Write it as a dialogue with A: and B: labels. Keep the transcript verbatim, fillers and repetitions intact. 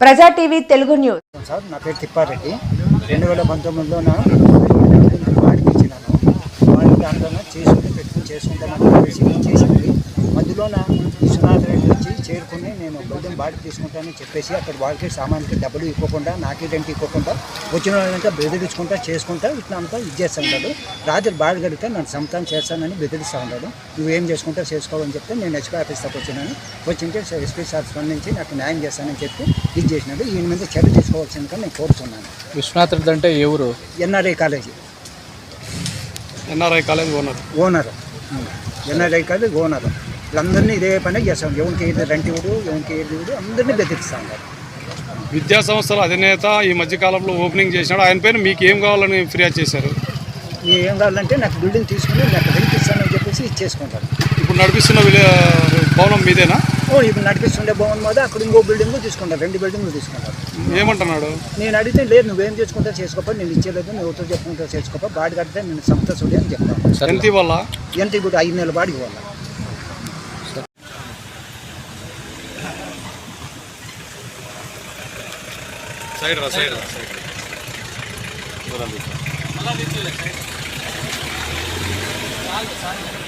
A: ప్రజా TV Telugu news.
B: Sir నా పేరు తిప్పారెడ్డి. రెండు వేల పంతొమ్మిదిలో నా వాడికి ఇచ్చినాను. వాడికి దాంట్లో చేసుకుని పెట్టుకుని చేసుకుంటామని చెప్పేసి చేసింది. మధ్యలో నా విశ్వనాథ్ రెడ్డి వచ్చి చేరుకుని నేను బిల్డింగ్ బాడికి తీసుకుంటానని చెప్పేసి అక్కడ వాళ్ళకి సామాన్కి డబ్బులు ఇవ్వకుండా నాకే రెంట్ ఇవ్వకుండా వచ్చిన వాళ్ళంతా బెదిరించుకుంటా చేసుకుంటా ఇట్లా అంతా ఇది చేస్తూ ఉంటాడు. రాత్రి బాడి గడితే నన్ను సొంతం చేస్తానని బెదిరిస్తూ ఉంటాడు. నువ్వేం చేసుకుంటా చేసుకోవాలని చెప్తే నేను ఎస్పీ ఆఫీస్ దాకా వచ్చినాను. వచ్చింటే ఎస్పీ సార్ స్పందించి నాకు న్యాయం చేస్తానని చెప్పి ఇది చేసినాడు. ఈయన మీద చర్య తీసుకోవాల్సిందిగా నేను కోరుతున్నాను.
C: విశ్వనాథ్ రెడ్డి అంటే ఎవరు?
B: NRI college
C: NRI college owner
B: owner NRI college owner. వీళ్ళందరినీ ఇదే పని చేస్తాం. ఎవరికి ఏది రెంట్ ఇవ్వడు, ఎవరికి ఏది ఇవ్వడు, అందరినీ బెదిరిస్తూ ఉంటారు.
C: విద్యా సంస్థల అధినేత ఈ మధ్యకాలంలో ఓపెనింగ్ చేసినాడు. ఆయన పైన మీకు ఏం కావాలని ఫిర్యాదు చేశారు?
B: ఏం కావాలంటే నాకు బిల్డింగ్ తీసుకుని నాకు రెంట్ ఇస్తానని చెప్పేసి ఇచ్చేసుకుంటారు.
C: ఇప్పుడు నడిపిస్తున్న భవనం మీదేనా?
B: ఓ ఇప్పుడు నడిపిస్తుండే భవన్ మీద అక్కడ ఇంకో బిల్డింగ్ తీసుకుంటారు, రెండు బిల్డింగ్లు తీసుకుంటారు.
C: ఏమంటున్నాడు?
B: నేను అడిగితే లేదు నువ్వేం చేసుకుంటా చేసుకోపా, నేను ఇచ్చేలేదు, నువ్వు ఎవరితో చెప్పుకుంటా చేసుకోపా, బాడి కడితే నేను సంస్థ చూడే అని చెప్తాను.
C: ఎంత ఇవ్వాలా?
B: ఎంత ఇప్పుడు ఐదు నెలల బాడికి ఇవ్వాలి.
C: సైడ్ రా సైడ్ రా సైడ్